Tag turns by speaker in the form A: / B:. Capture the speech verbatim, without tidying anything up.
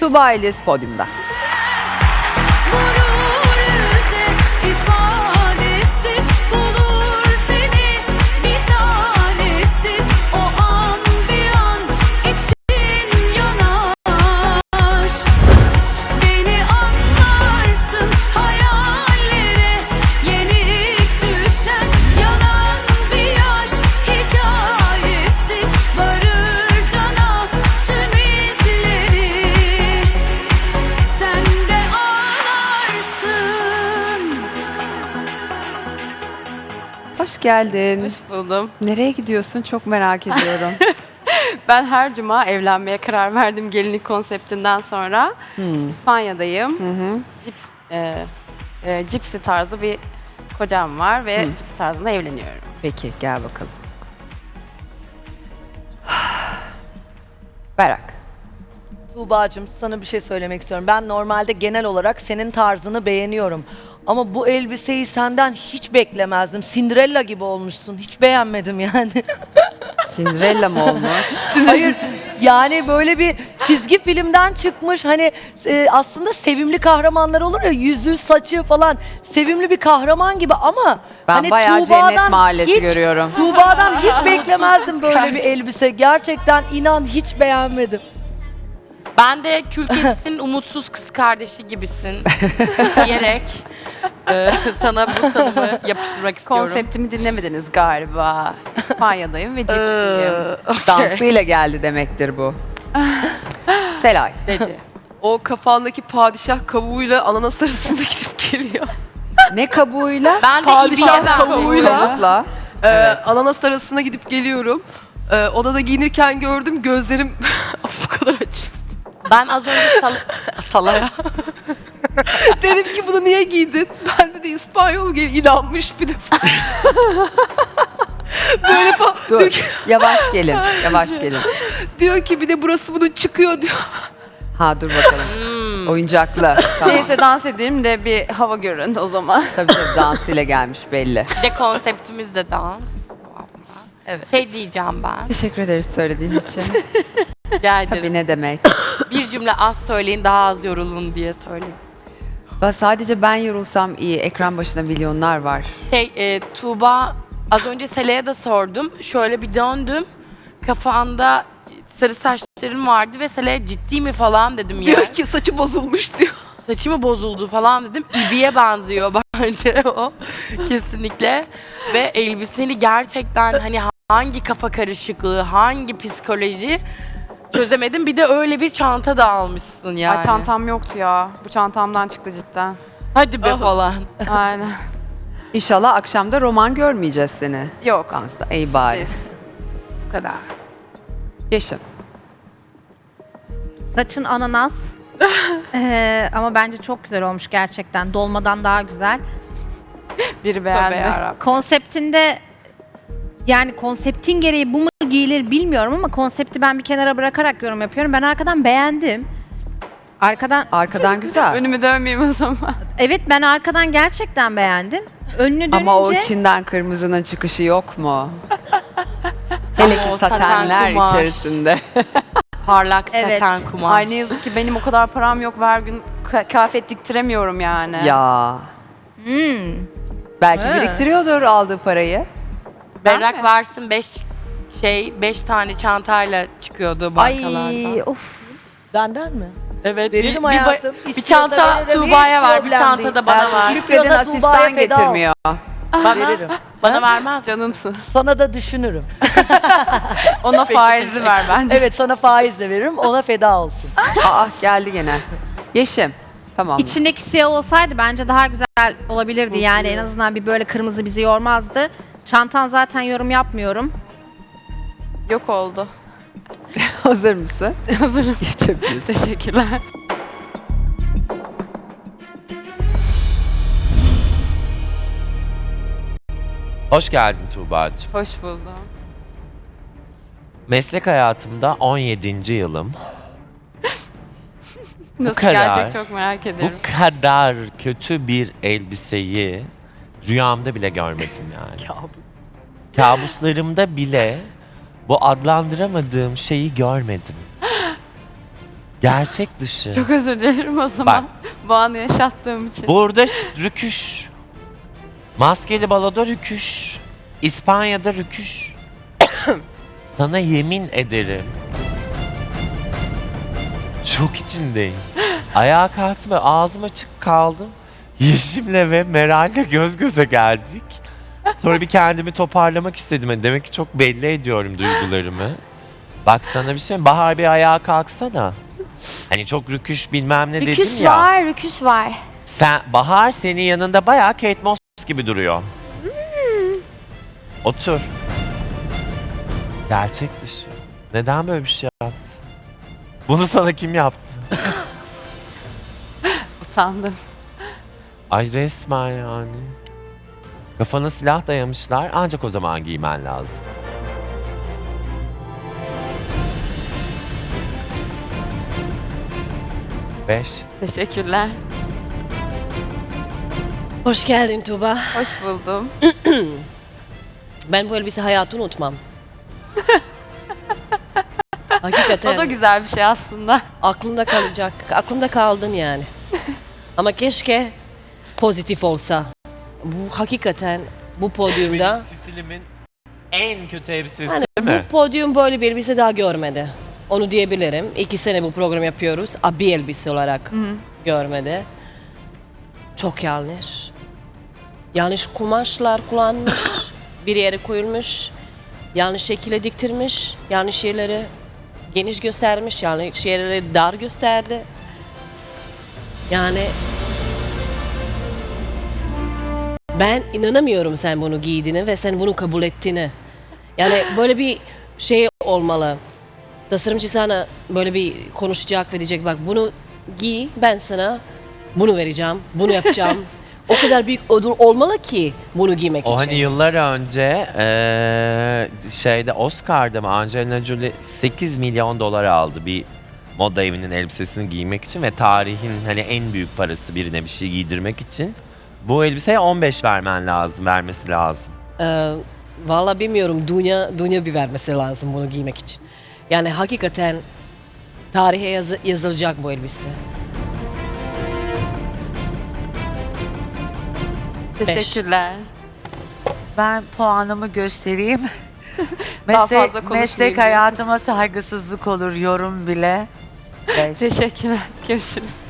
A: Tuğba Eliz podyumda.
B: Vurur yüze ifadesi, bulur seni bir tanesi. O an bir an için yanar. Beni anlarsın hayallere, yenik düşen yalan bir yaş hikayesi. Varır cana tüm izleri, sen de ağlarsın.
A: Hoş geldin.
C: Hoş buldum.
A: Nereye gidiyorsun çok merak ediyorum.
C: Ben her cuma evlenmeye karar verdim gelinlik konseptinden sonra. İspanya'dayım. Cips, e, e, cipsi tarzı bir kocam var ve cips tarzında evleniyorum.
A: Peki gel bakalım. Berak.
D: Tuğba'cığım sana bir şey söylemek istiyorum. Ben normalde genel olarak senin tarzını beğeniyorum. Ama bu elbiseyi senden hiç beklemezdim. Cinderella gibi olmuşsun. Hiç beğenmedim yani.
A: Cinderella mı olmuş?
D: Hayır yani böyle bir çizgi filmden çıkmış. Hani e, aslında sevimli kahramanlar olur ya, yüzü saçı falan sevimli bir kahraman gibi ama
A: Ben
D: hani
A: bayağı
D: Tuğba'dan
A: Cennet Mahallesi
D: hiç-
A: görüyorum.
D: Tuğba'dan hiç beklemezdim böyle bir elbise. Gerçekten inan hiç beğenmedim.
E: Ben de kül kedisinin umutsuz kız kardeşi gibisin diyerek e, sana bu tanımı yapıştırmak istiyorum.
C: Konseptimi dinlemediniz galiba. İspanya'dayım ve cipsiyim.
A: Dansıyla geldi demektir bu. Selay.
E: dedi.
F: O kafandaki padişah kavuğuyla ananas arasında gidip geliyor.
A: Ne kabuğuyla?
E: Ben de
F: Padişah
E: ibiye
F: kavuğuyla.
A: Kabukla.
F: Ee, ananas arasında gidip geliyorum. Ee, odada giyinirken gördüm, gözlerim bu kadar açıldı.
E: Ben az önce sal salaya.
F: Dedim ki bunu niye giydin? Ben de İspanyol gel inanmış bir defa. Böyle falan. Diyor
A: Dur.
F: ki,
A: Yavaş gelin. Yavaş gelin.
F: diyor ki bir de burası bunun çıkıyor diyor.
A: Ha dur bakalım. Oyuncaklı. Tamam.
C: Neyse dans edeyim de bir hava görün o zaman.
A: Tabii tabii dansıyla gelmiş belli.
E: Bir de konseptimiz de dans. bu hafta.
F: Evet.
E: Şey diyeceğim ben.
A: Teşekkür ederiz söylediğin için.
E: Rica ederim.
A: Tabii ne demek.
E: Bir cümle az söyleyin daha az yorulun diye söyledim.
A: Ben sadece ben yorulsam iyi. Ekran başında milyonlar var.
E: Şey e, Tuğba az önce Sela'ya da sordum. Şöyle bir döndüm. Kafanda sarı saçların vardı ve Sela'ya ciddi mi falan dedim ya.
F: Diyor ki saçı bozulmuş diyor.
E: Saçı mı bozuldu falan dedim. İbiye benziyor bence o. Kesinlikle. Ve elbiseni gerçekten hani hangi kafa karışıklığı, hangi psikoloji çözemedim. Bir de öyle bir çanta da almışsın yani.
C: Ay çantam yoktu ya. Bu çantamdan çıktı cidden.
E: Hadi be falan.
C: Aynen.
A: İnşallah akşamda roman görmeyeceğiz seni.
C: Yok.
A: Dansta. İyi bari.
C: Biz.
E: Bu kadar.
A: Yeşim.
G: Saçın ananas. Ee, ama bence çok güzel olmuş gerçekten. Dolmadan daha güzel.
C: Biri
E: Tövbe
C: beğendi.
E: yarabbim.
G: Konseptinde yani konseptin gereği bu mu giyilir bilmiyorum ama konsepti ben bir kenara bırakarak yorum yapıyorum. Ben arkadan beğendim. Arkadan
A: Arkadan güzel.
C: Önümü dönmeyeyim o zaman.
G: evet ben arkadan gerçekten beğendim. Önünü dönünce
A: Ama o içinden kırmızının çıkışı yok mu? Hele ki
E: O saten
A: satenler
E: kumaş.
A: içerisinde.
E: Parlak
G: Evet.
E: saten kumaş.
C: Ay ne yazık ki benim o kadar param yok. Her gün ka- kıyafet diktiremiyorum yani.
A: Ya.
G: Hmm.
A: Belki
G: He.
A: biriktiriyordur aldığı parayı.
E: Berrak varsın beş şey beş tane çantayla çıkıyordu bankalardan.
G: Ay of.
D: Benden mi?
E: Evet.
D: Veririm
E: bir,
D: hayatım.
E: Bir, bir
D: İstiyorsa
E: çanta
D: veririm,
E: Tuğba'ya
D: hiç
E: var, bir
D: problem
E: çanta
D: değil.
E: da bana
A: Belki
E: var.
A: Şükredin
D: İstiyorsa
A: asistan
D: Tuğba'ya feda
A: getirmiyor.
E: Bana,
D: Veririm.
E: bana vermez.
C: Canımsın.
D: Sana da düşünürüm.
C: Ona faizli ver bence.
D: Evet sana faiz de veririm, ona feda olsun.
A: Aa geldi gene. Yeşim. Tamam.
G: İçindeki siyah olsaydı bence daha güzel olabilirdi. Yani en azından bir böyle kırmızı bizi yormazdı. Çantan zaten yorum yapmıyorum.
C: Yok oldu.
A: Hazır mısın?
C: Hazırım.
A: Geçebilirsin.
C: Teşekkürler.
H: Hoş geldin Tuğba'cığım.
C: Hoş buldum.
H: Meslek hayatımda on yedinci yılım.
C: Nasıl
H: kadar.
C: gelecek çok merak ediyorum.
H: Bu kadar kötü bir elbiseyi rüyamda bile görmedim yani.
D: Kabus.
H: Kabuslarımda bile bu adlandıramadığım şeyi görmedim. Gerçek dışı.
C: Çok özür dilerim o zaman. Bu anı yaşattığım için.
H: Burada rüküş. Maskeli baloda rüküş. İspanya'da rüküş. Sana yemin ederim. Çok içindeyim. Ayağa kalktım ve ağzım açık kaldım. Yeşim'le ve Meral'le göz göze geldik. Sonra bir kendimi toparlamak istedim. Demek ki çok belli ediyorum duygularımı. Bak sana bir şey söyleyeyim. Bahar bir ayağa kalksana. Hani çok rüküş bilmem ne dedim
I: Rüküş
H: ya.
I: var, rüküş var.
H: Sen, Bahar senin yanında bayağı Kate Moss gibi duruyor. Otur. Gerçek dışı. Neden böyle bir şey yaptı? Bunu sana kim yaptı?
C: Utandım.
H: Ay resmen yani. Kafana silah dayamışlar ancak o zaman giymen lazım. Beş.
C: Teşekkürler.
J: Hoş geldin Tuğba.
C: Hoş buldum.
J: Ben bu elbise hayatı unutmam. Hakikaten
C: O da güzel bir şey aslında.
J: aklımda kalacak. Aklımda kaldın yani. Ama keşke pozitif olsa. Bu hakikaten bu podyumda
H: stilimin en kötü elbisesi
J: hani
H: değil mi?
J: bu podyum böyle bir elbise daha görmedi. Onu diyebilirim. İki sene bu program yapıyoruz. Abi elbise olarak görmedi. Çok yanlış. Yanlış kumaşlar kullanmış. Bir yere koyulmuş. Yanlış şekilde diktirmiş. Yanlış yerleri geniş göstermiş. Yanlış yerleri dar gösterdi. Yani ben inanamıyorum sen bunu giydiğini ve sen bunu kabul ettiğini. Yani böyle bir şey olmalı. Tasarımcı sana böyle bir konuşacak ve diyecek bak bunu giy ben sana bunu vereceğim, bunu yapacağım. O kadar büyük ödül olmalı ki bunu giymek
H: O
J: için.
H: hani yıllar önce eee, şeyde Oscar'da mı Angelina Jolie sekiz milyon dolar aldı bir moda evinin elbisesini giymek için ve tarihin hani en büyük parası birine bir şey giydirmek için. Bu elbiseye on beş vermen lazım, vermesi lazım.
J: Ee, Valla bilmiyorum dünya dünya bir vermesi lazım bunu giymek için. Yani hakikaten tarihe yazı- yazılacak bu elbise.
C: Teşekkürler.
K: Ben puanımı göstereyim.
C: Daha
K: meslek,
C: fazla konuşmayayım
K: meslek
C: diye.
K: hayatıma saygısızlık olur yorum bile. Beş.
C: Teşekkürler. Görüşürüz.